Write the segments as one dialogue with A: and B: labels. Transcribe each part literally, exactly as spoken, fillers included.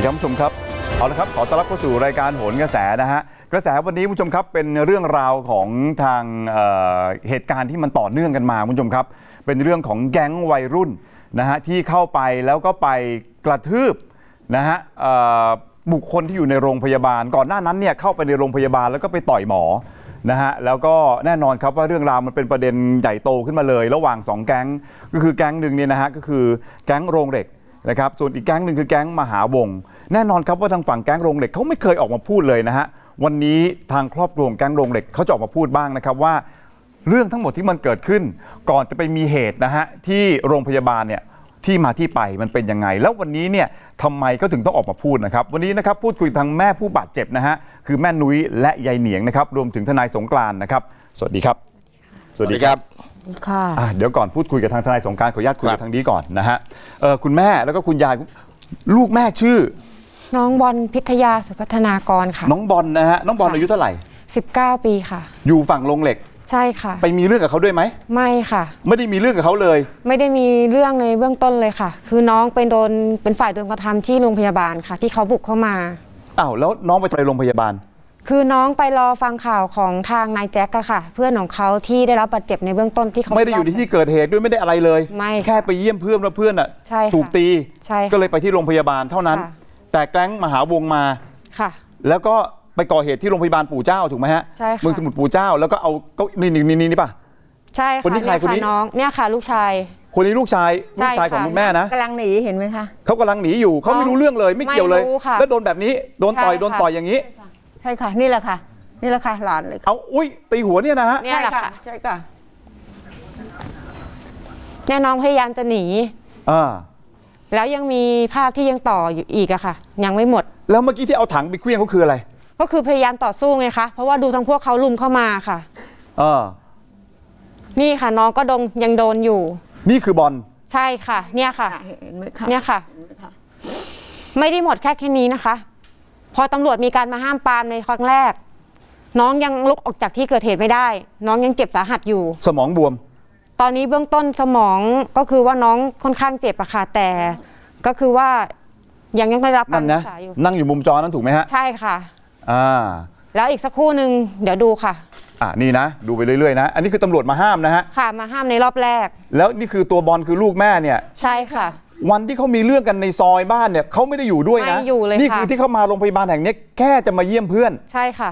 A: ครับผู้ชมครับเอาละครับขอต้อนรับเข้าสู่รายการโหนกระแสนะฮะกระแสวันนี้ผู้ชมครับเป็นเรื่องราวของทาง เอ่อ เหตุการณ์ที่มันต่อเนื่องกันมาผู้ชมครับเป็นเรื่องของแก๊งวัยรุ่นนะฮะที่เข้าไปแล้วก็ไปกระทืบนะฮะบุคคลที่อยู่ในโรงพยาบาลก่อนหน้านั้นเนี่ยเข้าไปในโรงพยาบาลแล้วก็ไปต่อยหมอนะฮะแล้วก็แน่นอนครับว่าเรื่องราวมันเป็นประเด็นใหญ่โตขึ้นมาเลยระหว่างสองแก๊งก็คือแก๊งหนึ่งเนี่ยนะฮะก็คือแก๊งโรงเหล็กนะครับส่วนอีกแก๊งหนึ่งคือแก๊งมหาวงแน่นอนครับว่าทางฝั่งแก๊งโรงเหล็กเขาไม่เคยออกมาพูดเลยนะฮะวันนี้ทางครอบครัวแก๊งโรงเหล็กเขาจะออกมาพูดบ้างนะครับว่าเรื่องทั้งหมดที่มันเกิดขึ้นก่อนจะไปมีเหตุนะฮะที่โรงพยาบาลเนี่ยที่มาที่ไปมันเป็นยังไงแล้ววันนี้เนี่ยทำไมก็ถึงต้องออกมาพูดนะครับวันนี้นะครับพูดคุยทางแม่ผู้บาดเจ็บนะฮะคือแม่นุ้ยและยายเหนียงนะครับรวมถึงทนายสงกรานต์นะครับสวัสดีครับ
B: สวัสดีครับ
A: ค่ะเดี๋ยวก่อนพูดคุยกับทางทนายสงกรานต์ขออนุญาตคุยกับทางนี้ก่อนนะฮะเออคุณแม่แล้วก็คุณยายลูกแม่ชื่อ
C: น้องบอลพิทยาสุพัฒนากรค่ะ
A: น้องบอลนะฮะน้องบอลอายุเท่าไหร่
C: สิบเก้าปีค่ะ
A: อยู่ฝั่งโรงเหล็ก
C: ใช่ค่ะ
A: ไปมีเรื่องกับเขาด้วยไหม
C: ไม่ค่ะ
A: ไม่ได้มีเรื่องกับเขาเลย
C: ไม่ได้มีเรื่องในเบื้องต้นเลยค่ะคือน้องเป็นโดนเป็นฝ่ายโดนกระทำที่โรงพยาบาลค่ะที่เขาบุกเข้ามา
A: อ้าวแล้วน้องไปไปโรงพยาบาล
C: คือน้องไปรอฟังข่าวของทางนายแจ็คอะค่ะเพื่อนของเขาที่ได้รับบาดเจ็บในเบื้องต้นที่เขา
A: ไม่ได้อยู่ในที่เกิดเหตุด้วยไม่ได้อะไรเลย
C: ไม่
A: แค่ไปเยี่ยมเพื่อนแล้วเพื่อนอะถูกตีก็เลยไปที่โรงพยาบาลเท่านั้นแต่แก๊งมหาวงมา
C: ค่ะ
A: แล้วก็ไปก่อเหตุที่โรงพยาบาลปู่เจ้าถูกไหมฮะ
C: ใช่ค่ะ
A: เมืองสมุทรปู่เจ้าแล้วก็เอาก็นี่นี่นี่นี่ป่ะ
C: ใช่ค่ะคนนี้ใครคนนี้น้องเนี่ยค่ะลูกชาย
A: คนนี้ลูกชายลูกชายของคุณแม่นะ
D: กำลังหนีเห็นไหมคะ
A: เขากำลังหนีอยู่เขาไม่รู้เรื่องเลยไม่เกี่ยวเลยแล้วโดนแบบนี้โดนต่อยโดนต่อยอย่างนี้
D: ใช่ค่ะนี่แหละค่ะนี่แหละค่ะหลานเลย
A: เอาอุ้ยตีหัวเนี่ยนะฮะ
C: ใช่ค่ะ
D: ใช่ค่ะ
C: เนี่ยน้องพยายามจะหนี
A: อ่า
C: แล้วยังมีภาพที่ยังต่ออยู่อีกอะค่ะยังไม่หมด
A: แล้วเมื่อกี้ที่เอาถังไปเคลี้ยงเขาคืออะไร
C: ก็คือพยายามต่อสู้ไงคะเพราะว่าดูทั้งพวกเขาลุมเข้ามาค่ะ
A: เออ
C: นี่ค่ะน้องก็โดนยังโดนอยู่
A: นี่คือบอล
C: ใช่ค่ะเนี่ยค่ะ
D: เห็นไหมคะ
C: เนี่ยค่ะไม่ได้หมดแค่แค่นี้นะคะพอตำรวจมีการมาห้ามปรามในครั้งแรกน้องยังลุกออกจากที่เกิดเหตุไม่ได้น้องยังเจ็บสาหัสอยู่
A: สมองบวม
C: ตอนนี้เบื้องต้นสมองก็คือว่าน้องค่อนข้างเจ็บอะค่ะแต่ก็คือว่ายังยังได้รับการรักษาอยู่
A: นั่งอยู่มุมจอนั้นถูกไหมฮะ
C: ใช่ค่ะ
A: อ่า
C: แล้วอีกสักครู่หนึ่งเดี๋ยวดูค่ะ
A: อ่านี่นะดูไปเรื่อยๆนะอันนี้คือตำรวจมาห้ามนะฮะ
C: ค่ะมาห้ามในรอบแรก
A: แล้วนี่คือตัวบอลคือลูกแม่เนี่ย
C: ใช่ค่ะ
A: วันที่เขามีเรื่องกันในซอยบ้านเนี่ยเขาไม่ได้อยู่ด้วยนะ
C: ไม่อยู่เลยค่ะ
A: นี่คือที่เขามาโรงพยาบาลแห่งนี้แค่จะมาเยี่ยมเพื่อน
C: ใช่ค่ะ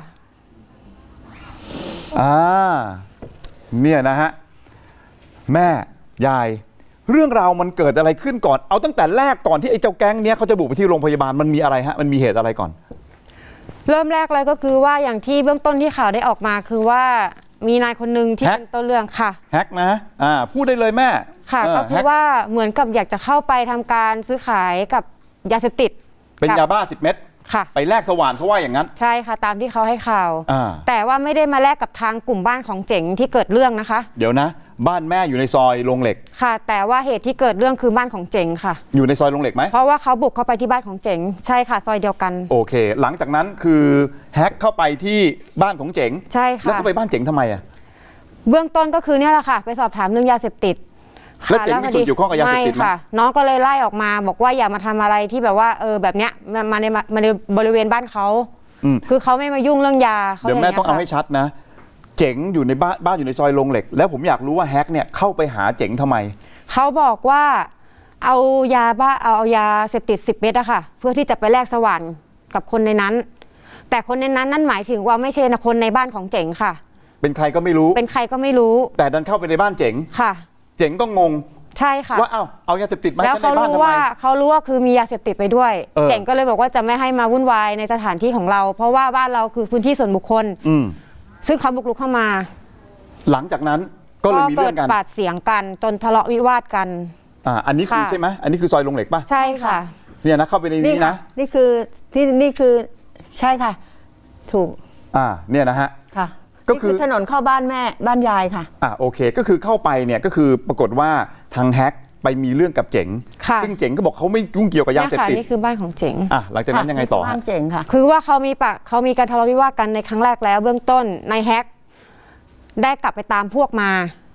A: อ่าเนี่ยนะฮะแม่ยายเรื่องราวมันเกิดอะไรขึ้นก่อนเอาตั้งแต่แรกก่อนที่ไอ้เจ้าแก๊งเนี้ยเขาจะบุกไปที่โรงพยาบาลมันมีอะไรฮะมันมีเหตุอะไรก่อน
C: เริ่มแรกเลยก็คือว่าอย่างที่เบื้องต้นที่ข่าวได้ออกมาคือว่ามีนายคนหนึ่งที่เป็นต้นเรื่องค่ะ
A: แฮกนะอ่าพูดได้เลยแม่
C: ค่ะก็คือว่าเหมือนกับอยากจะเข้าไปทำการซื้อขายกับยาเสพติด
A: เป็นยาบ้าสิบเม็ด
C: ค่ะ
A: ไปแลกสว่านเขาว่าอย่างนั้น
C: ใช่ค่ะตามที่เขาให้ข่าวแต่ว่าไม่ได้มาแลกกับทางกลุ่มบ้านของเจ๋งที่เกิดเรื่องนะคะ
A: เดี๋ยวนะบ้านแม่อยู่ในซอยโรงเหล็ก
C: ค่ะแต่ว่าเหตุที่เกิดเรื่องคือบ้านของเจ๋งค่ะ
A: อยู่ในซอยโรงเหล็กไหม
C: เพราะว่าเขาบุกเข้าไปที่บ้านของเจ๋งใช่ค่ะซอยเดียวกัน
A: โอเคหลังจากนั้นคือแฮกเข้าไปที่บ้านของเจ๋ง
C: ใช่ค่ะ
A: แล้วเขาไปบ้านเจ๋งทำไมอ่ะ
C: เบื้องต้นก็คือเนี่ยแหละค่ะไปสอบถามเรื่องยาเสพติด
A: แล้วเจ๋งมีส่วนเกี่ยวข้องกับยาเสพติดไหม
C: ค่ะน้องก็เลยไล่ออกมาบอกว่าอย่ามาทำอะไรที่แบบว่าเออแบบเนี้ยมาในมาในบริเวณบ้านเขาคือเขาไม่มายุ่งเรื่องยา
A: เดี๋ยวแม่ต้องเอาให้ชัดนะเจ๋งอยู่ในบ้านบ้านอยู่ในซอยโรงเหล็กแล้วผมอยากรู้ว่าแฮกเนี่ยเข้าไปหาเจ๋งทำไม
C: เขาบอกว่าเอายาบ้าเอายาเสพติดสิบเม็ดอะค่ะเพื่อที่จะไปแลกสว่านกับคนในนั้นแต่คนในนั้นนั่นหมายถึงว่าไม่ใช่คนในบ้านของเจ๋งค่ะ
A: เป็นใครก็ไม่รู้
C: เป็นใครก็ไม่รู้
A: แต่ดันเข้าไปในบ้านเจ๋ง
C: ค่ะ
A: เจ๋งก็งง
C: ใช่ค่ะ
A: ว่าเอาเอายาเสพติดมา
C: แล้วเขารู้ว่าเขารู้ว่าคือมียาเสพติดไปด้วยเจ๋งก็เลยบอกว่าจะไม่ให้มาวุ่นวายในสถานที่ของเราเพราะว่าบ้านเราคือพื้นที่ส่วนบุคคลซึ่งเขาบุกรุกเข้ามา
A: หลังจากนั้นก็เลยมีเรื่องกัน
C: ปาดเสียงกันจนทะเลาะวิวาทกัน
A: อ่าอันนี้คือใช่ไหมอันนี้คือซอยโรงเหล็กป่ะ
C: ใช่ค่ะ
A: เนี่ยนะเข้าไปในนี้นะ
D: นี่คือที่นี่คือใช่ค่ะถูก
A: อ่าเนี่ยนะฮะ
D: ค่ะก็คือถนนเข้าบ้านแม่บ้านยายค่ะ
A: อ่าโอเคก็คือเข้าไปเนี่ยก็คือปรากฏว่าทางแฮกไปมีเรื่องกับเจ๋งซึ่งเจ๋งก็บอกเขาไม่ยุ่งเกี่ยวกับยาเสพติด
C: นี่คือบ้านของเจ๋ง
A: อ่ะหลังจากนั้นยังไงต่อ
D: บ้านเจ๋งค่ะ
C: คือว่าเขามีปะเขามีการทะเลาะวิวาทกันในครั้งแรกแล้วเบื้องต้นนายแฮกได้กลับไปตามพวกมา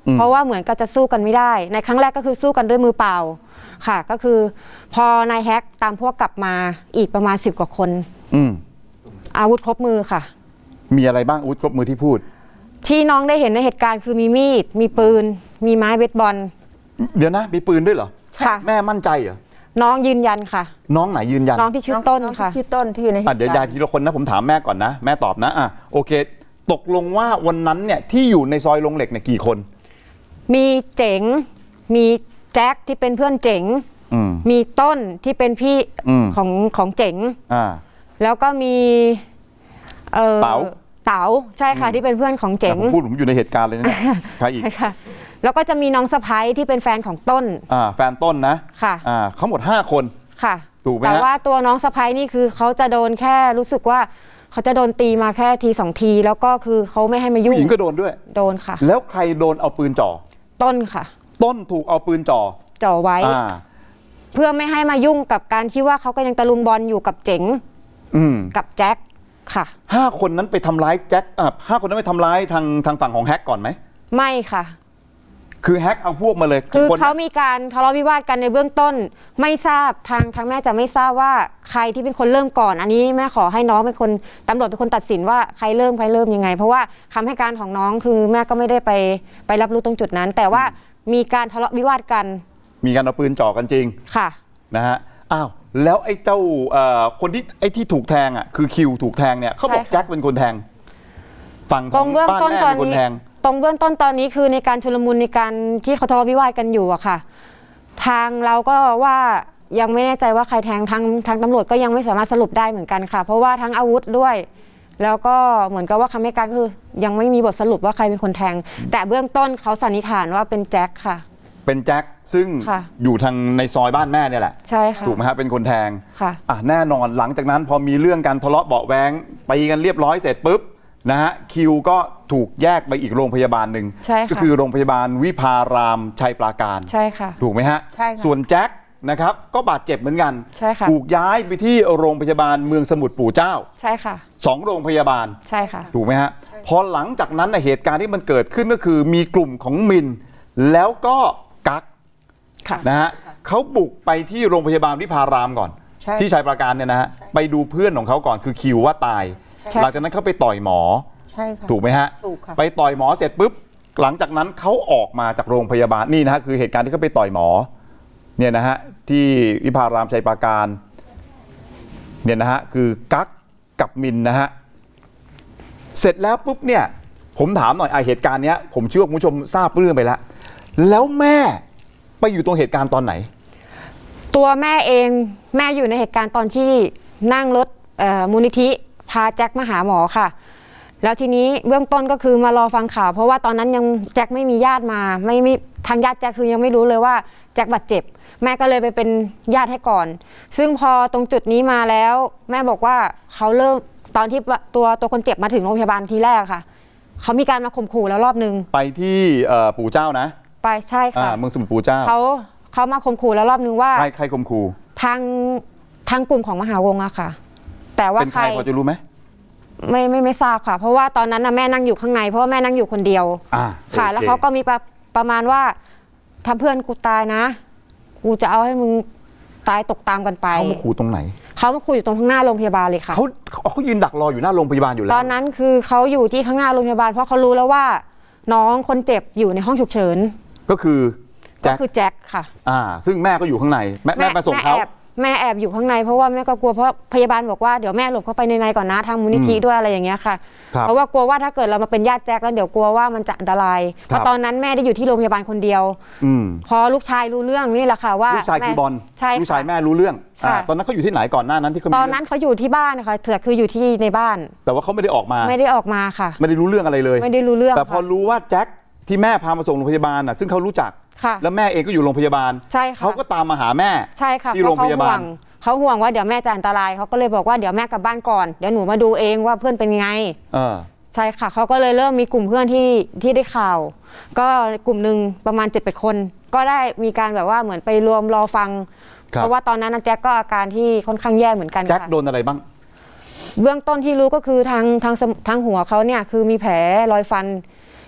C: เพราะว่าเหมือนกับจะสู้กันไม่ได้ในครั้งแรกก็คือสู้กันด้วยมือเปล่าค่ะก็คือพอนายแฮกตามพวกกลับมาอีกประมาณสิบกว่าคน
A: อืม
C: อาวุธครบมือค่ะ
A: มีอะไรบ้างอาวุธครบมือที่พูด
C: ที่น้องได้เห็นในเหตุการณ์คือมีมีดมีปืนมีไม้เบสบอล
A: เดี๋ยวนะมีปืนด้วยเหรอ
C: ค่ะ
A: แม่มั่นใจเหรอ
C: น้องยืนยันค่ะ
A: น้องไหนยืนยัน
C: น้องที่ชื่อต้นค่ะ
D: ชื่อต้นที่อยู่ในเหตุการณ์
A: เดี๋ยวยายทีละคนนะผมถามแม่ก่อนนะแม่ตอบนะอ่ะโอเคตกลงว่าวันนั้นเนี่ยที่อยู่ในซอยโรงเหล็กเนี่ยกี่คน
C: มีเจ๋งมีแจ็คที่เป็นเพื่อนเจ๋งมีต้นที่เป็นพี่ของของเจ๋งแล้วก็มี
A: เต๋า
C: เต๋าใช่ค่ะที่เป็นเพื่อนของเจ๋ง
A: ผมพูดผมอยู่ในเหตุการณ์เลยนะใครอีก
C: ค่ะแล้วก็จะมีน้องสะพ้ายที่เป็นแฟนของต้น
A: อ่าแฟนต้นนะ
C: ค่ะ
A: อ่าเขาหมดห้าคน
C: ค่ะ
A: ถูกไหม
C: แต่ว่าตัวน้องสะพ้ายนี่คือเขาจะโดนแค่รู้สึกว่าเขาจะโดนตีมาแค่ทีสองทีแล้วก็คือเขาไม่ให้มายุ่ง
A: ผู้หญิงก็โดนด้วย
C: โดนค่ะ
A: แล้วใครโดนเอาปืนจ่อ
C: ต้นค่ะ
A: ต้นถูกเอาปืนจ่อ
C: จ่อไว้เพื่อไม่ให้มายุ่งกับการที่ว่าเขาก็ยังตะลุมบอลอยู่กับเจ๋งกับแจ็คค่ะ
A: ห้าคนนั้นไปทำร้ายแจ็คอ่ะห้าคนนั้นไปทำร้ายทางทางฝั่งของแฮกก่อนไหม
C: ไม่ค่ะ
A: คือแฮกเอาพวกมาเลย
C: คือเขามีการทะเลาะวิวาทกันในเบื้องต้นไม่ทราบทางทางแม่จะไม่ทราบว่าใครที่เป็นคนเริ่มก่อนอันนี้แม่ขอให้น้องเป็นคนตำรวจเป็นคนตัดสินว่าใครเริ่มใครเริ่มยังไงเพราะว่าคำให้การของน้องคือแม่ก็ไม่ได้ไปไปรับรู้ตรงจุดนั้นแต่ว่ามีการทะเลาะวิวาทกัน
A: มีการเอาปืนจ่อกันจริง
C: ค่ะ
A: นะฮะอ้าวแล้วไอ้เจ้าคนที่ไอ้ที่ถูกแทงอ่ะคือคิวถูกแทงเนี่ยเขาบอกแจ็คเป็นคนแทงฝั่งของบ้านแม่เป็นคนแทง
C: ตรงเบื้องต้นตอนนี้คือในการชุลมุนในการที่เขาทะเลาะวิวาทกันอยู่อะค่ะทางเราก็ว่ายังไม่แน่ใจว่าใครแทงทางทางตำรวจก็ยังไม่สามารถสรุปได้เหมือนกันค่ะเพราะว่าทั้งอาวุธด้วยแล้วก็เหมือนกับว่าคำให้การคือยังไม่มีบทสรุปว่าใครเป็นคนแทงแต่เบื้องต้นเขาสันนิษฐานว่าเป็นแจ็คค่ะ
A: เป็นแจ็คซึ่งอยู่ทางในซอยบ้านแม่เนี่ยแหละ
C: ใช่ค่ะ
A: ถูกไหมฮะเป็นคนแทง
C: ค่ะ
A: อ่ะแน่นอนหลังจากนั้นพอมีเรื่องการทะเลาะเบาะแว้งตีกันเรียบร้อยเสร็จปุ๊บนะฮะคิวก็ถูกแยกไปอีกโรงพยาบาลหนึ่งก็คือโรงพยาบาลวิภารามชัยปราการ
C: ใช่ค่ะ
A: ถูกไหมฮะ
C: ใช่ค่ะ
A: ส่วนแจ็คนะครับก็บาดเจ็บเหมือนกัน
C: ใช่ค่ะ
A: ถูกย้ายไปที่โรงพยาบาลเมืองสมุทรปู่เจ้า
C: ใช่ค่ะ
A: สองโรงพยาบาล
C: ใช่ค่ะ
A: ถูกไหมฮะพอหลังจากนั้นเหตุการณ์ที่มันเกิดขึ้นก็คือมีกลุ่มของมินแล้วก็กั๊กนะฮะเขาบุกไปที่โรงพยาบาลวิภารามก่อนที่ชัยปราการเนี่ยนะฮะไปดูเพื่อนของเขาก่อนคือคิวว่าตายหลังจากนั้นเขาไปต่อยหมอ
D: ใช่ค่ะ
A: ถูกไหมฮะ
D: ถูกค่ะ
A: ไปต่อยหมอเสร็จปุ๊บหลังจากนั้นเขาออกมาจากโรงพยาบาลนี่นะฮะคือเหตุการณ์ที่เขาไปต่อยหมอเนี่ยนะฮะที่วิภารามชัยปราการเนี่ยนะฮะคือกั๊กกับมินนะฮะเสร็จแล้วปุ๊บเนี่ยผมถามหน่อยไอเหตุการณ์เนี้ยผมเชื่อว่าคุณผู้ชมทราบเรื่องไปแล้วแล้วแม่ไปอยู่ตรงเหตุการณ์ตอนไหน
C: ตัวแม่เองแม่อยู่ในเหตุการณ์ตอนที่นั่งรถมูลนิธิพาแจ็คมาหาหมอค่ะแล้วทีนี้เบื้องต้นก็คือมารอฟังข่าวเพราะว่าตอนนั้นยังแจ็คไม่มีญาติมาไม่มีทางญาติแจ็คคือยังไม่รู้เลยว่าแจ็คบาดเจ็บแม่ก็เลยไปเป็นญาติให้ก่อนซึ่งพอตรงจุดนี้มาแล้วแม่บอกว่าเขาเริ่มตอนที่ตัวตัวคนเจ็บมาถึงโรงพยาบาลทีแรกค่ะเขามีการมาข่มขู่แล้วรอบนึง
A: ไปที่ปู่เจ้านะ
C: ไปใช่ค่ะ
A: เมืองสมุทรปู่เจ้า
C: เขาเขามาข่มขู่แล้วรอบนึงว่า
A: ใครใครข่มขู่
C: ทางทางกลุ่มของมหาวงศ์อะค่ะแต่ว่า
A: เป็นใครพอจะรู้ไหม
C: ไม่ไม่ไม่ทราบค่ะเพราะว่าตอนนั้นนะแม่นั่งอยู่ข้างในเพราะว่าแม่นั่งอยู่คนเดียวค่ะแล้วเขาก็มีประประมาณว่าถ้าเพื่อนกูตายนะกูจะเอาให้มึงตายตกตามกันไป
A: เขามาขู่ตรงไหน
C: เขามาขู่อยู่ตรงข้างหน้าโรงพยาบาลเลยค่ะ
A: เขาเขายืนดักรออยู่หน้าโรงพยาบาลอยู่แล้ว
C: ตอนนั้นคือเขาอยู่ที่ข้างหน้าโรงพยาบาลเพราะเขารู้แล้วว่าน้องคนเจ็บอยู่ในห้องฉุกเฉิน
A: ก็คือ
C: ก็คือแจ็คค่ะ
A: อ่าซึ่งแม่ก็อยู่ข้างในแม่แม่มาส่งเขา
C: แม่แอบอยู่ข้างในเพราะว่าแม่ก็กลัวเพราะพยาบาลบอกว่าเดี๋ยวแม่หลบเข้าไปในในก่อนนะทางมูลนิธิด้วยอะไรอย่างเงี้ยค่ะเพราะว่ากลัวว่าถ้าเกิดเรามาเป็นญาติแจ็คแล้วเดี๋ยวกลัวว่ามันจะอันตรายเพราะตอนนั้นแม่ได้อยู่ที่โรงพยาบาลคนเดียวพอลูกชายรู้เรื่องนี่แหละค่ะว่า
A: ลูกชายคือบอลลูกชายแม่รู้เรื่องตอนนั้นเขาอยู่ที่ไหนก่อนหน้านั้นที่เขา
C: ตอนนั้นเขาอยู่ที่บ้านนะคะแต่คืออยู่ที่ในบ้าน
A: แต่ว่าเขาไม่ได้ออกมา
C: ไม่ได้ออกมาค่ะ
A: ไม่ได้รู้เรื่องอะไรเลย
C: ไม่ได้รู้เรื่อง
A: แต่พอรู้ว่าแจ็คที่แม่พามาส่งโรงพยาบาลน่ะซึ่งเขารู้จักแล้วแม่เองก็อยู่โรงพยาบาล
C: ใช่ค่ะ
A: เขาก็ตามมาหาแม่
C: ใช่ค่ะ
A: ที่โรงพยาบาล
C: เขาห่วงว่าเดี๋ยวแม่จะอันตรายเขาก็เลยบอกว่าเดี๋ยวแม่กลับบ้านก่อนเดี๋ยวหนูมาดูเองว่าเพื่อนเป็นไงใช่ค่ะเขาก็เลยเริ่มมีกลุ่มเพื่อนที่ที่ได้ข่าวก็กลุ่มหนึ่งประมาณเจ็ดแปดคนก็ได้มีการแบบว่าเหมือนไปรวมรอฟังเพราะว่าตอนนั้นแจ็คก็อาการที่ค่อนข้างแย่เหมือนกัน
A: แจ็คโดนอะไรบ้าง
C: เบื้องต้นที่รู้ก็คือทางทางทางหัวเขาเนี่ยคือมีแผลรอยฟัน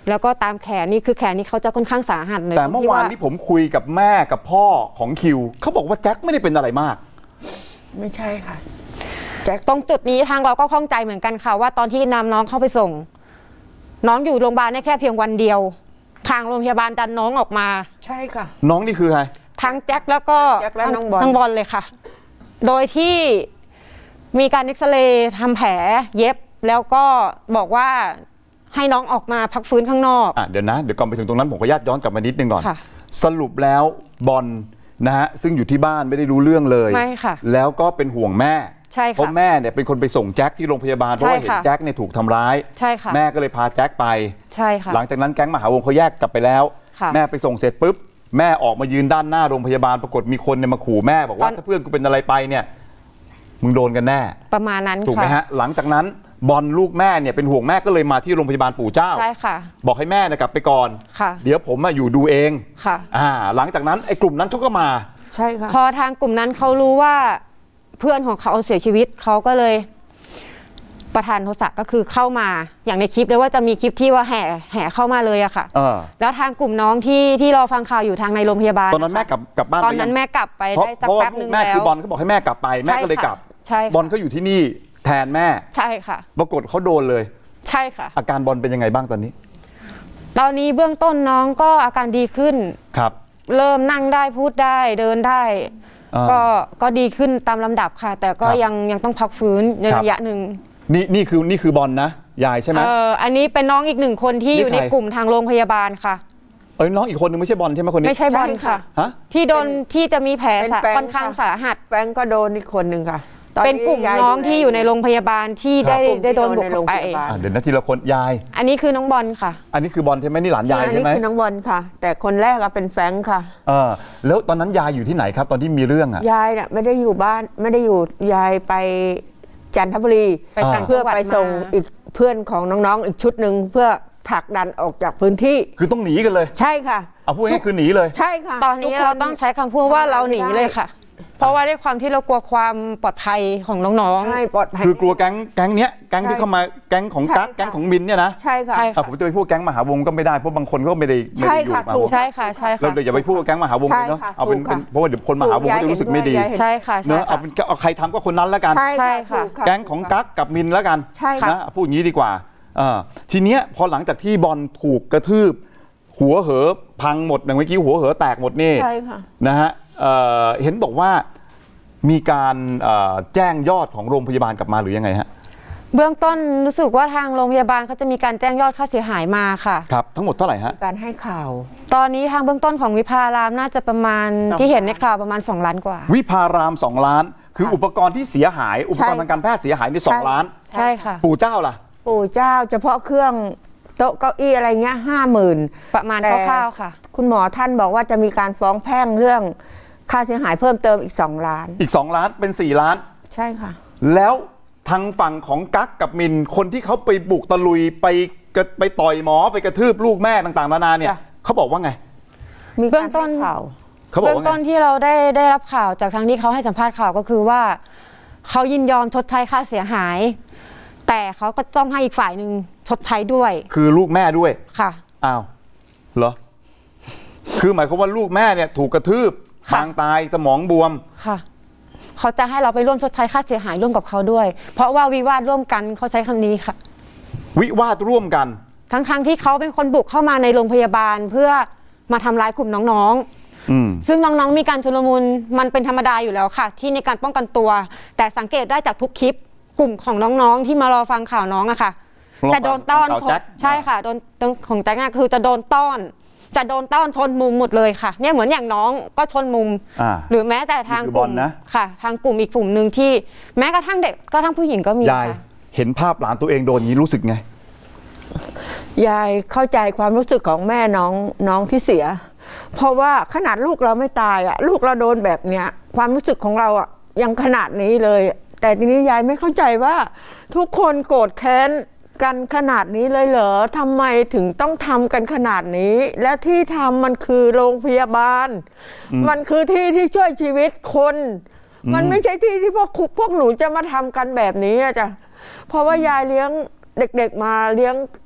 C: แล้วก็ตามแขนนี่คือแขนนี่เขาจะค่อนข้างสาหัสเลย
A: แต่เมื่อวาน
C: ตรง
A: ที่ผมคุยกับแม่กับพ่อของคิวเขาบอกว่าแจ็คไม่ได้เป็นอะไรมาก
D: ไม่ใช่ค่ะแจ็ค
C: ตรงจุดนี้ทางเราก็ข้องใจเหมือนกันค่ะว่าตอนที่นำน้องเข้าไปส่ง น้องอยู่โรงพยาบาลได้แค่เพียงวันเดียว ทางโรงพยาบาลดันน้องออกมา
D: ใช่ค่ะ
A: น้องนี่คือใคร
C: ทั้งแจ็คแล้วก็
D: แจ็คและน้องบอล
C: ทั้งบอลเลยค่ะ โดยที่มีการเอ็กซเรย์ทำแผลเย็บแล้วก็บอกว่าให้น้องออกมาพักฟื้นข้างนอก
A: อ่ะเดี๋ยวนะเดี๋ยวก่อนไปถึงตรงนั้นผมขออนุญาตย้อนกลับมานิดนึงก่อน
C: ค่ะ
A: สรุปแล้วบอลนะฮะซึ่งอยู่ที่บ้านไม่ได้รู้เรื่องเลย
C: ไม่ค่ะ
A: แล้วก็เป็นห่วงแม่
C: ใช่ค่ะ
A: เพราะแม่เนี่ยเป็นคนไปส่งแจ็คที่โรงพยาบาลเพราะว่า
C: ใช่
A: เห็น
C: ค่ะ
A: แจ็คเนี่ยถูกทำร้าย
C: ใช่ค่ะ
A: แม่ก็เลยพาแจ็คไป
C: ใช่ค่ะ
A: หลังจากนั้นแก๊งมหาวงเขาแยกกลับไปแล้ว
C: ค่ะ
A: แม่ไปส่งเสร็จปุ๊บแม่ออกมายืนด้านหน้าโรงพยาบาลปรากฏมีคนเนี่ยมาขู่แม่บอกว่าถ้าเพื่อนกูเป็นอะไรไปเนี่ยมึงโดนกันแน่
C: ประมาณนั้น
A: ถูกไหม
C: ค่ะ
A: ฮะหลังจากนั้นบอลลูกแม่เนี่ยเป็นห่วงแม่ก็เลยมาที่โรงพยาบาลปู่เจ้า
C: ใช่ค่ะ
A: บอกให้แม่เนี่ยกลับไปก่อน
C: ค่ะ
A: เดี๋ยวผมอะอยู่ดูเอง
C: ค่ะ
A: อ่าหลังจากนั้นไอ้กลุ่มนั้นเขาก็มา
D: ใช่ค่ะ
C: พอทางกลุ่มนั้นเขารู้ว่าเพื่อนของเขาเสียชีวิตเขาก็เลยประธานโทสะก็คือเข้ามาอย่างในคลิปเลยว่าจะมีคลิปที่ว่าแห่แห่เข้ามาเลยอะค่ะ
A: เออ
C: แล้วทางกลุ่มน้องที่ที่รอฟังข่าวอยู่ทางในโรงพยาบาล
A: ตอนนั้นแม่กลับกลับบ้าน
C: ตอน
A: ไป
C: นั้น
A: ยัง
C: แม่กลับไป
A: เพราะ
C: ได้สั
A: เพ
C: ก
A: ราะว่า
C: แป๊บ
A: ลู
C: หนึ่
A: ก
C: ง
A: แม่
C: แล้
A: คือ
C: ว
A: บอลเขาบอกให้แม่กลับไปแม่ก็เลยกลับ
C: ใช่ค่ะ
A: บอลก็อยู่ที่นี่แทนแม่
C: ใช่ค่ะ
A: ปรากฏเขาโดนเลย
C: ใช่ค่ะ
A: อาการบอลเป็นยังไงบ้างตอนนี้
C: ตอนนี้เบื้องต้นน้องก็อาการดีขึ้น
A: ครับ
C: เริ่มนั่งได้พูดได้เดินได้
A: อ่า
C: ก็ก็ดีขึ้นตามลำดับค่ะ แต่ก็
A: ครับ
C: ยังยังต้องพักฟื้นใน
A: ครับ
C: ระยะหนึ่ง
A: นี่นี่คือนี่คือบอลนะยายใช่ไหม
C: เอออันนี้เป็นน้องอีกหนึ่งคนที่
A: นี่
C: อยู่ใน
A: ใคร
C: กลุ่มทางโรงพยาบาลค่ะ
A: เอ้ยน้องอีกคนนึงไม่ใช่บอลใช่ไหมคนนี้
C: ไม่ใช่บอลค่ะ
A: ฮะ
C: ที่โดนที่จะมีแผล
D: เป็น
C: สะ
D: แฟน
C: ค่อนข้าง
D: ค่ะ
C: สาหัส
D: แฟนก็โดนอีกคนหนึ่งค่ะตอ
C: เป็นกลุ่ม
D: ยาย
C: น้อง
D: ดูแล
C: ที่อยู่ในโรงพยาบาลที่ได้
D: กลุ่มที่
C: ได้โดน
D: โดน
C: บุก
D: ในโร
C: เข้าง ไป
D: พยาบาล
A: อ่ะเดี๋ยวนะทีละคนยาย
C: อันนี้คือน้องบอลค่ะ
A: อันนี้คือบอลใช่ไหมนี่หลานยาย
D: อัน
A: ใช่
D: นี้
A: ไหม
D: คือน้องบอลค่ะ แต่คนแรกอะเป็นแฟรงค์ค่ะ
A: เออแล้วตอนนั้นยายอยู่ที่ไหนครับตอนที่มีเรื่องอ่ะ
D: ยายเนี่ยไม่ได้อยู่บ้านไม่ได้อยู่ยายไปจันทบุรี
C: ไปต่าง
D: เพื่อ
C: จังหวัด
D: ไปส่ง
C: มา
D: อีกเพื่อนของน้องๆอีกชุดหนึ่งเพื่อผลักดันออกจากพื้นที่
A: คือต้องหนีกันเลย
D: ใช่ค่ะ
A: เอาพูดง่ายๆคือหนีเลย
D: ใช่ค่ะ
C: ตอนนี้
D: ทุกค
C: เราต้องใช้คำพูดว่าเราหนีเลยค่ะ เพราะว่าด้วยความที่เรากลัวความปลอดภัยของน้อง
D: ใช่ปลอดภัย
A: คือกลัวแก๊งแก๊งเนี้ยแก๊งที่
D: ใช่
A: เข้ามาแก๊งของ
D: ใช่
A: กั๊ก
D: ค่ะ
A: แก๊งของมินเนี่ยนะ
D: ใช่ค่ะ
C: ใช่
A: อ่ะผมจะไปพูดแก๊งมหาวงก็ไม่ได้เพราะบางคนก็ไม่ได้ไม่ได้อยู่
D: ใช่ค่ะ
A: มหา
D: ถู
A: ว
D: ก
A: ง
C: ๆ ใช่ค่ะใช่
A: เรา
C: ค่ะ
A: เดี๋ยวอย่าไปพูดว่าแก๊งมหาวงเลยเนาะ
D: ใช่ค่ะ
A: เอาเป็น
D: ถูก
A: เป็น
D: ค่ะ
A: เพราะว่าเดี๋ยวคนมหาวงเขาจะรู้สึกไม่ดี
D: ยายเห็นด้วย
C: ใช่ค่ะ
A: เน
C: ใช่
A: อะเอา
C: ค่ะ
A: เป็นเอาใครทำก็คนนั้นแล้วกัน
D: ใช่
C: ใช่
D: ค่ะ
C: ค่ะ
D: ถูค่ะ
A: แก๊งของกั๊กกับมินแล้วกัน
D: ใช่ค่ะ
A: นะพูดอย่างนี้ดีกว่าเออทีเนี้ยพอหลังจากที่บอลถูกกระทืบหัวเหอพังหมดอย่างเมื่อกี้หัวเหอแตกหมดนี่
D: ใช่ค่ะ
A: นะฮะเอ่อเห็นบอกว่ามีการเอ่อแจ้งยอดของโรงพยาบาลกลับมาหรือยังไงฮะ
C: เบื้องต้นรู้สึกว่าทางโรงพยาบาลเขาจะมีการแจ้งยอดค่าเสียหายมาค่ะ
A: ครับทั้งหมดเท่าไหร่ฮะ
D: การให้ข่าว
C: ตอนนี้ทางเบื้องต้นของวิภารามน่าจะประมาณ
D: สอง
C: ที่เห็นในข่าวประมาณสองล้านกว่า
A: วิภารามสองล้าน คือ
D: ค่ะ
A: อุปกรณ์ที่เสียหาย อุปกรณ์
D: ใช่
A: ทางการแพทย์เสียหายในสอง
D: ใช่
A: ล้าน
C: ใช่ค่ะ
A: ปู่เจ้าล่ะ
D: ปู่เจ้าเฉพาะเครื่องโต๊ะเก้าอี้อะไรเงี้ยห้าหมื่น
C: ประมาณ
D: แต่
C: คร่าวๆค่ะ
D: คุณหมอท่านบอกว่าจะมีการฟ้องแพ่งเรื่องค่าเสียหายเพิ่มเติมอีกสองล้าน
A: อีกสองล้านเป็นสี่ล้าน
D: ใช่ค่ะ
A: แล้วทางฝั่งของกั๊กกับมินคนที่เขาไปบุกตะลุยไปกระไปต่อยหมอไปกระทืบลูกแม่ต่างๆนานาเนี่ย
D: จ้ะ
A: เขาบอกว่าไง
D: มี
C: เบื้
D: กา
C: อ
D: รง
C: ต้น
D: ให้ข่าว
A: เขาบอก
C: เบื้อง
A: ว่าไง
C: ต้นที่เราได้ได้รับข่าวจากทางที่เขาให้สัมภาษณ์ข่าวก็คือว่าเขายินยอมชดใช้ค่าเสียหาย แต่เขาก็ต้องให้อีกฝ่ายหนึ่งชดใช้ด้วย
A: คือลูกแม่ด้วย
C: ค่ะ
A: อ้าวเหรอคือหมายความว่าลูกแม่เนี่ยถูกกระทืบ
C: ค่ะ
A: ปางตายสมองบวม
C: ค่ะเขาจะให้เราไปร่วมชดใช้ค่าเสียหายร่วมกับเขาด้วย เพราะว่าวิวาทร่วมกันเขาใช้คำนี้ค่ะ
A: วิวาทร่วมกัน
C: ทั้งๆทที่เขาเป็นคนบุกเข้ามาในโรงพยาบาลเพื่อมาทำร้ายกลุ่มน้องๆ
A: อืม
C: ซึ่งน้องๆ มีการชุลมุนมันเป็นธรรมดาอยู่แล้วค่ะ ที่ในการป้องกันตัว แต่สังเกตได้จากทุกคลิปกลุ่มของน้องๆ ที่มารอฟังข่าวน้องอะค่ะ
A: รอฟัง
C: จะโดนต้อน
A: ข่าวแจ็ค
C: ใช่ค่ะโดนโดนของแจ็คน่ะคือจะโดนต้อน จะโดนต้อนชนมุมหมดเลยค่ะเนี่ยเหมือนอย่างน้องก็ชนมุม
A: อ่า
C: หรือแม้แต่ทาง
A: นี่คือก
C: ลุ่ม
A: บอลนะ
C: ค่ะ ทางกลุ่มอีกกลุ่มหนึ่งที่แม้กระทั่งเด็กก็ทั้งผู้หญิงก็มี
A: ยาย
C: ค่ะ
A: เห็นภาพหลานตัวเองโดนอย่างนี้รู้สึกไง
D: ยายเข้าใจความรู้สึกของแม่น้องน้องที่เสีย เพราะว่าขนาดลูกเราไม่ตายอะลูกเราโดนแบบเนี้ยความรู้สึกของเราอะยังขนาดนี้เลย แต่ทีนี้ยายไม่เข้าใจว่าทุกคนโกรธแค้นกันขนาดนี้เลยเหรอทำไมถึงต้องทำกันขนาดนี้ และที่ทำมันคือโรงพยาบาล มันคือที่ที่ช่วยชีวิตคน มันไม่ใช่ที่ที่พวกคุกพวกหนูจะมาทำกันแบบนี้อะจ้ะเพราะว่ายายเลี้ยงเด็กๆมาเลี้ยง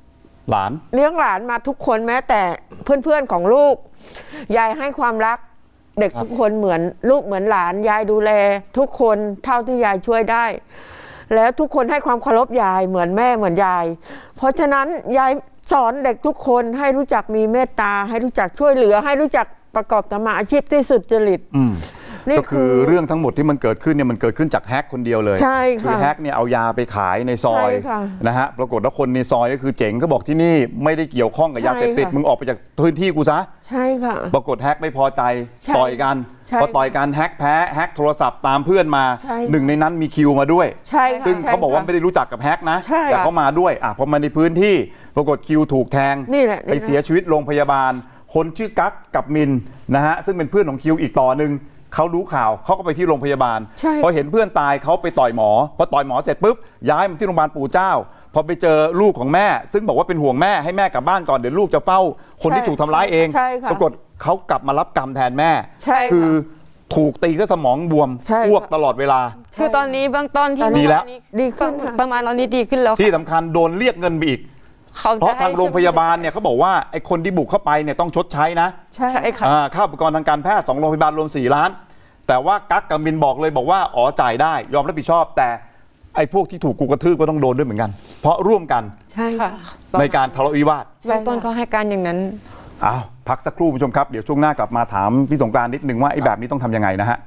A: หลาน
D: เลี้ยงหลานมาทุกคนแม้แต่เพื่อนๆของลูกยายให้ความรักเด็กทุกคนเหมือนลูกเหมือนหลานยายดูแลทุกคนเท่าที่ยายช่วยได้แล้วทุกคนให้ความเคารพยายเหมือนแม่เหมือนยายเพราะฉะนั้นยายสอนเด็กทุกคนให้รู้จักมีเมตตาให้รู้จักช่วยเหลือให้รู้จักประกอบธรรมาอาชีพที่สุจริต
A: ก็คือเรื่องทั้งหมดที่มันเกิดขึ้นเนี่ยมันเกิดขึ้นจากแฮกคนเดียวเลย
D: ใช่ค่ะ
A: คือแฮกเนี่ยเอายาไปขายในซอยนะฮะปรากฏว่าคนในซอยก็คือเจ๋งก็บอกที่นี่ไม่ได้เกี่ยวข้องกับยาเสพติดมึงออกไปจากพื้นที่กูซะ
D: ใช่ค่ะ
A: ปรากฏแฮกไม่พอใจต่อยกันพอต่อยกันแฮกแพ้แฮกโทรศัพท์ตามเพื่อนมาหนึ่งในนั้นมีคิวมาด้วยซึ่งเขาบอกว่าไม่ได้รู้จักกับแฮกนะแต่เขามาด้วยอ่ะพอมาในพื้นที่ปรากฏคิวถูกแทงไปเสียชีวิตโรงพยาบาลคนชื่อกั๊กกับมินนะฮะซึ่งเป็นเพื่อนของคิวอีกต่อหนึ่งเขารู้ข่าวเขาก็ไปที่โรงพยาบาลพอเห็นเพื่อนตายเขาไปต่อยหมอพอต่อยหมอเสร็จปุ๊บย้ายมาที่โรงพยาบาลปู่เจ้าพอไปเจอลูกของแม่ซึ่งบอกว่าเป็นห่วงแม่ให้แม่กลับบ้านก่อนเดี๋ยวลูกจะเฝ้าคนที่ถูกทำร้ายเองปรากฏเขากลับมารับกรรมแทนแม่คือถูกตีก็สมองบวมอ้วกตลอดเวลา
C: คือตอนนี้เบื้องต้นที่
A: ดีแล้ว
D: ดีขึ้น
C: ประมาณตอนนี้ดีขึ้นแล้ว
A: ที่สำคัญโดนเรียกเงินไปอีกเพราะทางโรงพยาบาลเนี่ยเขาบอกว่าไอ้คนที่บุกเข้าไปเนี่ยต้องชดใช้นะ
C: ใช่ค่ะ
A: ค่าอุปกรณ์ทางการแพทย์สองโรงพยาบาลรวมสี่ล้านแต่ว่ากั๊กกับมินบอกเลยบอกว่าอ๋อจ่ายได้ยอมรับผิดชอบแต่ไอ้พวกที่ถูกกูกระทืบก็ต้องโดนด้วยเหมือนกันเพราะร่วมกัน
C: ใช่ค่ะ
A: ในการทะเลาะวิวาท
C: เบื้องต้นเขาให้การอย่างนั้น
A: อ้าวพักสักครู่ผู้ชมครับเดี๋ยวช่วงหน้ากลับมาถามพี่สงกรานต์นิดนึงว่าไอ้แบบนี้ต้องทำยังไงนะฮะ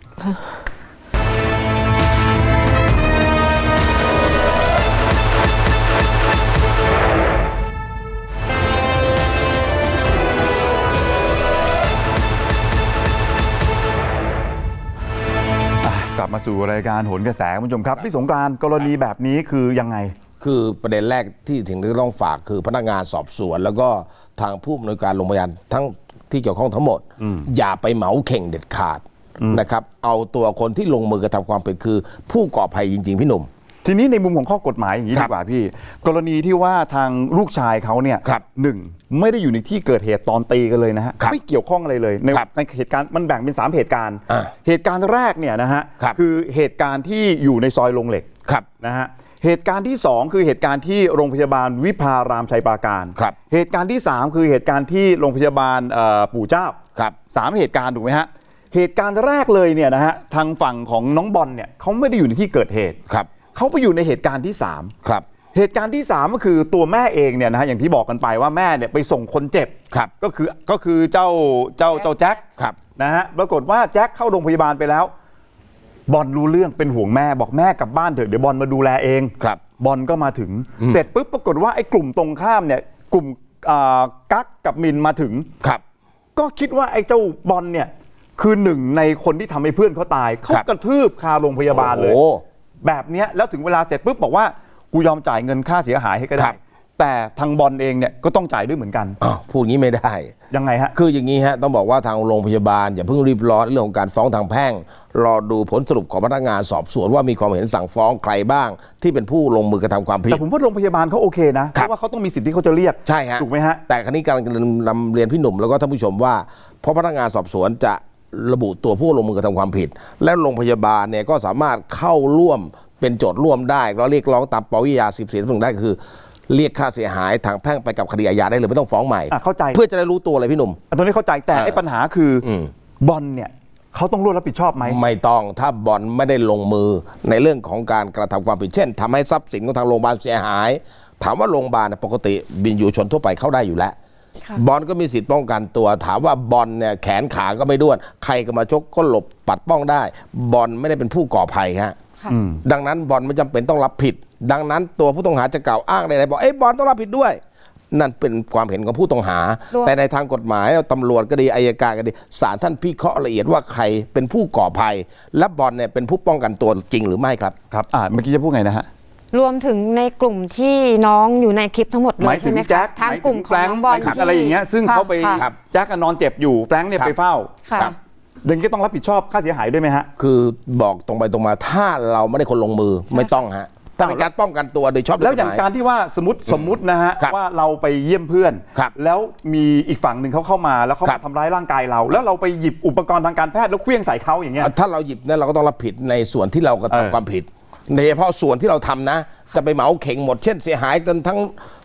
A: กลับมาสู่รายการโหนกระแสคุณผู้ชมครับพี่สงกรานต์กรณีแบบนี้คือยังไง
B: คือประเด็นแรกที่ถึงต้องฝากคือพนักงานสอบสวนแล้วก็ทางผู้อำนวยการโรงพยาบาลทั้งที่เกี่ยวข้องทั้งหมดอย่าไปเหมาเข่งเด็ดขาดนะครับเอาตัวคนที่ลงมือกระทำความผิดคือผู้ก่อภัยจริงๆพี่หนุ่ม
A: ทีนี้ในมุมของข้อกฎหมายอย่างนี้ดีกว่าพี่กรณีที่ว่าทางลูกชายเขาเนี่ยหนึ่งไม่ได้อยู่ในที่เกิดเหตุตอนตีกันเลยนะฮะไม่เกี่ยวข้องอะไรเลยในในเหตุการณ์มันแบ่งเป็นสามเหตุการณ์เหตุการณ์แรกเนี่ยนะฮะคือเหตุการณ์ที่อยู่ในซอยโรงเหล็กนะฮะเหตุการณ์ที่สองคือเหตุการณ์ที่โรงพยาบาลวิภารามชัยปราการเหตุการณ์ที่สามคือเหตุการณ์ที่โรงพยาบาลปู่เจ้าสามเหตุการณ์ถูกไหมฮะเหตุการณ์แรกเลยเนี่ยนะฮะทางฝั่งของน้องบอลเนี่ยเขาไม่ได้อยู่ในที่เกิดเหตุเขาไปอยู่ในเหตุการณ์ที่สาม
B: ครับ
A: เหตุการณ์ที่สามก็คือตัวแม่เองเนี่ยนะฮะอย่างที่บอกกันไปว่าแม่เนี่ยไปส่งคนเจ็บ
B: ครับ
A: ก็คือก็คือเจ้าเจ้าเจ้าแจ็ค
B: ครับ
A: นะฮะปรากฏว่าแจ็คเข้าโรงพยาบาลไปแล้วบอลรู้เรื่องเป็นห่วงแม่บอกแม่กลับบ้านเถอะเดี๋ยวบอลมาดูแลเอง
B: ครับ
A: บอลก็มาถึงเสร็จปุ๊บปรากฏว่าไอ้กลุ่มตรงข้ามเนี่ยกลุ่มกั๊กกับมินมาถึง
B: ครับ
A: ก็คิดว่าไอ้เจ้าบอลเนี่ยคือหนึ่งในคนที่ทำให้เพื่อนเขาตายเขากระทืบคาโรงพยาบาลเลยแบบนี้แล้วถึงเวลาเสร็จปุ๊บบอกว่ากูยอมจ่ายเงินค่าเสียหายให้ก็ได้แต่ทางบอลเองเนี่ยก็ต้องจ่ายด้วยเหมือนกัน
B: อ๋อพูดงี้ไม่ได้
A: ยังไงฮะ
B: คืออย่างนี้ฮะต้องบอกว่าทางโรงพยาบาลอย่าเพิ่งรีบร้อนเรื่องของการฟ้องทางแพ่งรอดูผลสรุปของพนักงานสอบสวนว่ามีความเห็นสั่งฟ้องใครบ้างที่เป็นผู้ลงมือกระทำความผิด
A: แต่ผมว่าโรงพยาบาลเขาโอเคนะเพราะว่าเขาต้องมีสิทธิ์ที่เขาจะเรียก
B: ใช่ฮะ
A: ถูกไหมฮะ
B: แต่ครั้นี้กำลังจะนำเรียนพี่หนุ่มแล้วก็ท่านผู้ชมว่าเพราะพนักงานสอบสวนจะระบุตัวผู้ลงมือกระทำความผิดและโรงพยาบาลเนี่ยก็สามารถเข้าร่วมเป็นโจทย์ร่วมได้แล้วเรียกร้องตามปวิอาญาสิบสี่ทับหนึ่งได้คือเรียกค่าเสียหายทางแพ่งไปกับคดีอาญาได้เลยไม่ต้องฟ้องใหม่
A: เข้าใจ
B: เพื่อจะได้รู้ตัวเลยพี่หนุ่ม
A: ตรงนี้เข้าใจแต่ไอ้ปัญหาคือบอลเนี่ยเขาต้องร่วมรับผิดชอบไหม
B: ไม่ต้องถ้าบอลไม่ได้ลงมือในเรื่องของการกระทำความผิดเช่นทำให้ทรัพย์สินของทางโรงพยาบาลเสียหายถามว่าโรงพยาบาลปกติบินอยู่ชนทั่วไปเข้าได้อยู่แล้วบอลก็มีสิทธิ์ป้องกันตัวถามว่าบอลเนี่ยแขนขาก็ไม่ด้วนใครก็มาชกก็หลบปัดป้องได้บอลไม่ได้เป็นผู้ก่อภัยฮะดังนั้นบอลไม่จำเป็นต้องรับผิดดังนั้นตัวผู้ต้องหาจะกล่าวอ้างใดๆบอกเอ้ยบอลต้องรับผิดด้วยนั่นเป็นความเห็นของผู้ต้องหาแต่ในทางกฎหมายตำรวจก็ดีอัยการก็ดีศาลท่านพิเคราะห์ละเอียดว่าใครเป็นผู้ก่อภัยและบอลเนี่ยเป็นผู้ป้องกันตัวจริงหรือไม่ครับ
A: ครับอ่าเมื่อกี้จะพูดไงนะฮะ
C: รวมถึงในกลุ่มที่น้องอยู่ในคลิปทั้งหมดเลยใช่ไหมคะ
A: ทางกลุ่มของน้องบอลอะไรอย่างเงี้ยซึ่งเขาไปแจ็คนอนเจ็บอยู่แฟรงค์เนี่ยไปเฝ้าเดนก็ต้องรับผิดชอบค่าเสียหายด้วยไหมฮะ
B: คือบอกตรงไปตรงมาถ้าเราไม่ได้คนลงมือไม่ต้องฮะถ้าเป็นการป้องกันตัวโดยชอบ
A: แล้วอย่างการที่ว่าสมมติสมมตินะฮะว่าเราไปเยี่ยมเพื่อนแล้วมีอีกฝั่งหนึ่งเขาเข้ามาแล้วเขาทำร้ายร่างกายเราแล้วเราไปหยิบอุปกรณ์ทางการแพทย์แล้วเคลื่องใส่เขาอย่างเงี้ย
B: ถ้าเราหยิบเนี่ยเราก็ต้องรับผิดในส่วนที่เรากระทำความผิดโดยเฉพาะส่วนที่เราทำนะจะไปเหมาเข่งหมดเช่นเสียหายจนทั้ง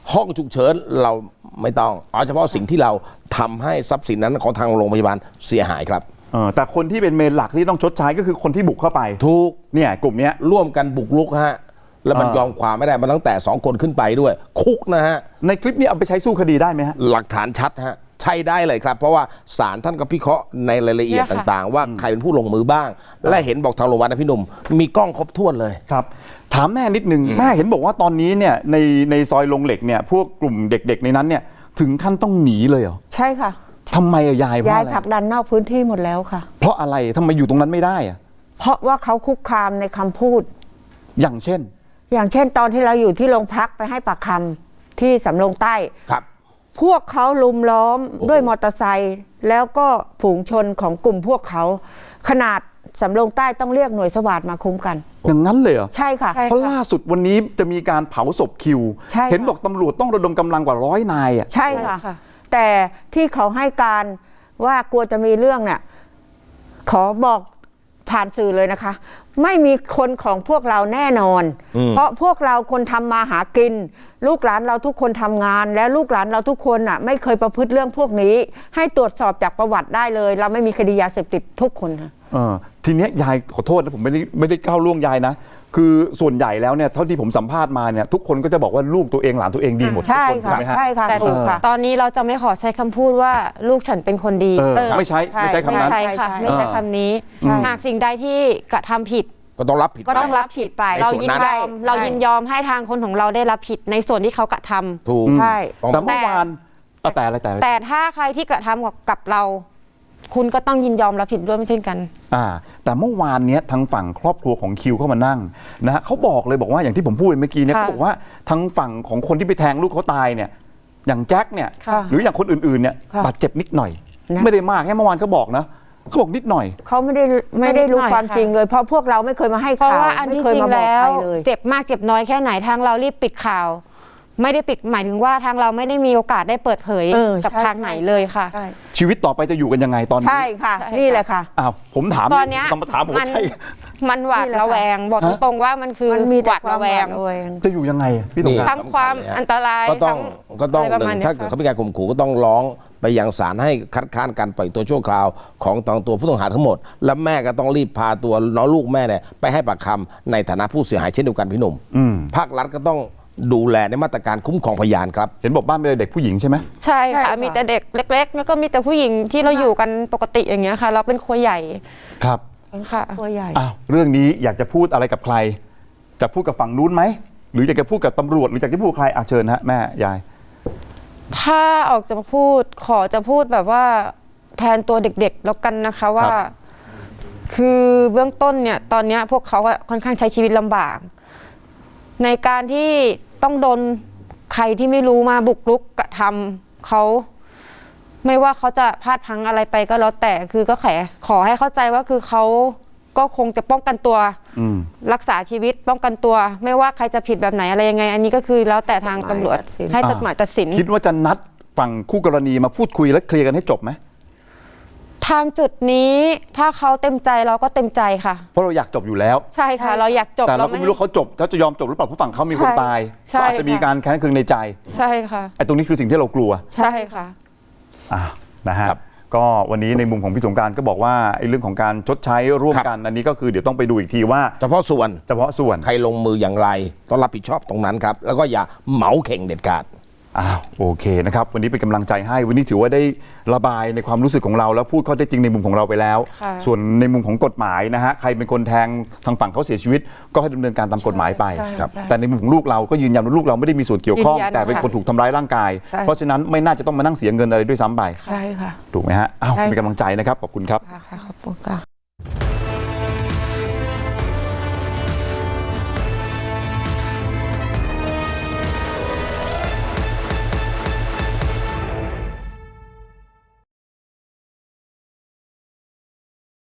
B: ห้องฉุกเฉินเราไม่ต้องเอาเฉพาะสิ่งที่เราทำให้ทรัพย์สินนั้นของทางโรงพยาบาลเสียหายครับ
A: เออแต่คนที่เป็นเมนหลักที่ต้องชดใช้ก็คือคนที่บุกเข้าไป
B: ถูก
A: เนี่ยกลุ่มเนี้ย
B: ร่วมกันบุกรุกฮะแล้วมัน
A: อ่าย
B: ยอมความไม่ได้มันตั้งแต่สองคนขึ้นไปด้วย คุกนะฮะ
A: ในคลิปนี้เอาไปใช้สู้คดีได้ไหมฮะ
B: หลักฐานชัดฮะใช่ได้เลยครับ เพราะว่าศาลท่านก็พิเคราะห์ในรายละเอียด
C: เนี่ยค่ะ
B: ต่างๆ ว่าใครเป็นผู้ลงมือบ้าง และเห็นบอกทางโรงพยาบาลนะพี่หนุ่มมีกล้องครบถ้วนเลย
A: ครับถามแม่นิดนึงแม่เห็นบอกว่าตอนนี้เนี่ยในในซอยลงเหล็กเนี่ยพวกกลุ่มเด็กๆในนั้นเนี่ยถึงขั้นต้องหนีเลยเหรอ
D: ใช่ค่ะ
A: ทำไมอะยายเพราะ
D: ยาย
A: อะไร
D: ผลักดันนอกพื้นที่หมดแล้วค่ะ
A: เพราะอะไรทำไมอยู่ตรงนั้นไม่ได้อะ
D: เพราะว่าเขาคุกคามในคำพูด
A: อย่างเช่น
D: อย่างเช่นตอนที่เราอยู่ที่โรงพักไปให้ปากคำที่สำโรงใต้
B: ครับ
D: พวกเขาลุมล้อมด้วยมอเตอร์ไซค์แล้วก็ฝูงชนของกลุ่มพวกเขาขนาดสำโรงใต้ต้องเรียกหน่วยสวาทมาคุ้มกัน
A: อย่างนั้นเลยเหรอ
D: ใช่ค่ะ
C: ใช่
A: เพราะล่าสุดวันนี้จะมีการเผาศพคิว
D: ใช่ค่ะ
A: เห็นบอกตำรวจต้องระดมกำลังกว่าร้อยนายอ่ะ
D: ใช่ค่ะ แต่ที่เขาให้การว่ากลัวจะมีเรื่องเนี่ยขอบอกผ่านสื่อเลยนะคะ ไม่มีคนของพวกเราแน่นอน เพราะพวกเราคนทำมาหากิน ลูกหลานเราทุกคนทำงาน และลูกหลานเราทุกคนอ่ะไม่เคยประพฤติเรื่องพวกนี้ ให้ตรวจสอบจากประวัติได้เลย เราไม่มีคดียาเสพติดทุกคนค่ะ
A: เออทีเนี้ยยายขอโทษนะผมไม่ได้ไม่ได้ก้าวล่วงยายนะคือส่วนใหญ่แล้วเนี่ยเท่าที่ผมสัมภาษณ์มาเนี่ยทุกคนก็จะบอกว่าลูกตัวเองหลานตัวเองดีหมด
D: ใช่
A: ทุกคน
D: ค่ะ
A: ถูกไหมฮะ
D: ใช่ค่ะ
C: แต่
D: ถูกค่ะ
C: ตอนนี้เราจะไม่ขอใช้คำพูดว่าลูกฉันเป็นคนดี
A: เออ
D: เออ
A: ไม่ใช้ไม่ใช้คำ
C: ไม่
A: นั้น
C: ใช่ค่ะ
D: ใช่
C: ไม่ใช่
A: เออ
C: คำนี้
D: ใช่
C: หากสิ่งใดที่กระทำผิด
B: ก็ต้องรับผิด
C: ก็ต้อง
B: ไป
C: รับผิดไป
B: ใน
C: เรา
B: ส่วน
C: ยิน
B: นั้น
C: ยอมเรายินยอมให้ทางคนของเราได้รับผิดในส่วนที่เขากระทำ
B: ถูก
D: ใช่
B: ต้อง
A: แต่เมื่อวานเอาแต่อะไรแต่อะไร
C: แต่ถ้าใครที่กระทำกับเรา คุณก็ต้องยินยอมรับผิดด้วยไม่เช่นกัน
A: อ่าแต่เมื่อวานเนี้ยทางฝั่งครอบครัวของคิวเข้ามานั่งนะฮะเขาบอกเลยบอกว่าอย่างที่ผมพูดเมื่อกี้เนี่ย
C: ค่ะ
A: เขาบอกว่าทางฝั่งของคนที่ไปแทงลูกเขาตายเนี่ยอย่างแจ็คเนี่ย
C: ค่ะ
A: หรืออย่างคนอื่นๆเนี่ย
D: ค่ะ
A: บาดเจ็บนิดหน่อย
D: นะ
A: ไม่ได้มากแค่เมื่อวานเขาบอกนะเขาบอกนิดหน่อย
D: เขาไม่ได้ไม่ได้รู้
C: ไม่นิดหน่อย
D: ความ
C: ค่ะ
D: จริงเลย เพราะพวกเราไม่เคยมาให้
C: เพราะ
D: ข่าว
C: ว่าอัน
D: ไม่
C: ที่
D: เคย
C: จริง
D: มาบอก
C: แล้
D: ใคร
C: ว
D: เลย
C: เจ็บมากเจ็บน้อยแค่ไหนทางเรารีบปิดข่าว ไม่ได้ปิดหมายถึงว่าทางเราไม่ได้มีโอกาสได้เปิดเผย
D: เออ
C: กับ
D: ใช่
C: ทางไหนเลยค่ะ
D: ใช่
A: ชีวิตต่อไปจะอยู่กันยังไงตอนนี้
D: ใช่ค่ะ
C: ใช่ค่ะ
D: นี่แหละค่ะ
A: อ้าวผมถาม
C: ตอนเนี้ย
A: ต้องมาถามผม
C: มั
A: ว่าใช่
C: มันหวาด
D: นี่แหละ
C: ระแวง บอก
A: ฮะ
C: ตรงๆว่ามันคือ
D: มันมี
C: ห
D: แต่
C: วาด
D: ความ
C: ระแวง
D: หาดระแวง
A: จะอยู่ยังไงอะพี่ตรง
B: นี่
A: ครับ
C: ทั้งความอันตราย
B: ก็ต้อง
C: ทั้ง
B: ก็ต้อง
C: อะไรประ
B: ห
C: มาณ
B: นึ่ง
C: นี้
B: ถ้าเกิด
C: ค่ะ
B: เขามีการข่มขู่ก็ต้องร้องไปยังศาลให้คัดค้านการปล่อยตัวชั่วคราวของตองตัวผู้ต้องหาทั้งหมด และแม่ก็ต้องรีบพาตัวน้องลูกแม่เนี่ยไปให้ปากคำในฐานะผู้เสียหายเช่นเดียวกันพี่หนุ่ม
A: อืม
B: ภาครัฐก็ต้องดูแลในมาตรการคุ้มครองพยานครับ
A: เห็นบอกบ้านเป็นเด็กผู้หญิงใช่ไหม
C: ใช่
D: ใช่
C: ค่ะ
D: ค่ะ
C: มีแต่เด็กเล็ก ๆ แล้วก็มีแต่ผู้หญิงที่เราอยู่กันปกติอย่างเงี้ยค่ะ เราเป็นครัวใหญ่
A: ครับ
C: ค่ะ
D: ตัวใหญ่
A: อ้าวเรื่องนี้อยากจะพูดอะไรกับใคร จะพูดกับฝั่งนู้นไหมหรืออยากจะพูดกับตำรวจหรืออยากจะพูดกับใครอ่ะเชิญฮะแม่ยาย
C: ถ้าออกจะมาพูดขอจะพูดแบบว่าแทนตัวเด็กๆแล้วกันนะคะว่า
A: ครับ
C: คือเบื้องต้นเนี่ยตอนเนี้ยพวกเขาอะค่อนข้างใช้ชีวิตลำบาก ในการที่ต้องโดนใครที่ไม่รู้มาบุกรุกกระทำเขาไม่ว่าเขาจะพลาดพลั้งอะไรไปก็แล้วแต่คือก็แขขอให้เข้าใจว่าคือเขาก็คงจะป้องกันตัว
A: อืม
C: รักษาชีวิตป้องกันตัว ไม่ว่าใครจะผิดแบบไหนอะไรยังไง อันนี้ก็คือแล้วแต่ทางตำรวจ
D: ตัดสิน
C: ให้กฎหมายตัดสิน
A: คิดว่าจะนัดฝั่งคู่กรณีมาพูดคุยและเคลียร์กันให้จบไหม
C: ทางจุดนี้ถ้าเขาเต็มใจเราก็เต็มใจค่ะ
A: เพราะเราอยากจบอยู่แล้ว
C: ใช่ค่ะ เราอยากจบ
A: แต่เราก็ไม่รู้เขาจบเขาจะยอมจบหรือเปล่าเพราะฝั่งเขามีคนตาย
C: ใช่
A: ก็อาจจะมี
C: ค่ะ
A: การแค้นเคืองในใจ
C: ใช่ค่ะ
A: ไอ้ตรงนี้คือสิ่งที่เรากลัว
C: ใช่ค่ะ
A: อ่านะฮะ
B: ครับ
A: ก็วันนี้ในมุมของพี่สงกรานต์ก็บอกว่าไอ้เรื่องของการชดใช้ร่วมกันอันนี้ก็คือเดี๋ยวต้องไปดูอีกทีว่า
B: เฉพาะส่วน
A: เฉพาะส่วน
B: ใครลงมืออย่างไรต้องรับผิดชอบตรงนั้นครับ แล้วก็อย่าเหมาเข่งเด็ดขาด
A: อ้าวโอเคนะครับวันนี้เป็นกำลังใจให้วันนี้ถือว่าได้ระบายในความรู้สึกของเราแล้วพูดข้อเท็จจริงในมุมของเราไปแล้ว
C: ค่ะ
A: ส่วนในมุมของกฎหมายนะฮะใครเป็นคนแทงทางฝั่งเขาเสียชีวิต ก็ให้ดำเนินการตามกฎหมายไป
D: ใช่
B: ครับ
D: ใช่
A: แต่ในมุมของลูกเราก็ยืนยันว่าลูกเราไม่ได้มีส่วนเกี่ยวข้อง
C: ยืนยัน
A: แต่เป็น
C: ค่ะ
A: คนถูกทำร้ายร่างกาย
D: ใช่
A: เพราะฉะนั้นไม่น่าจะต้องมานั่งเสียเงินอะไรด้วยซ้ำไป
D: ใช่ค่ะ
A: ถูกไหมฮะอ้าว
D: ใช่
A: เป็นกำลังใจนะครับขอบคุณครับ
D: ค่ะขอบคุณค่ะ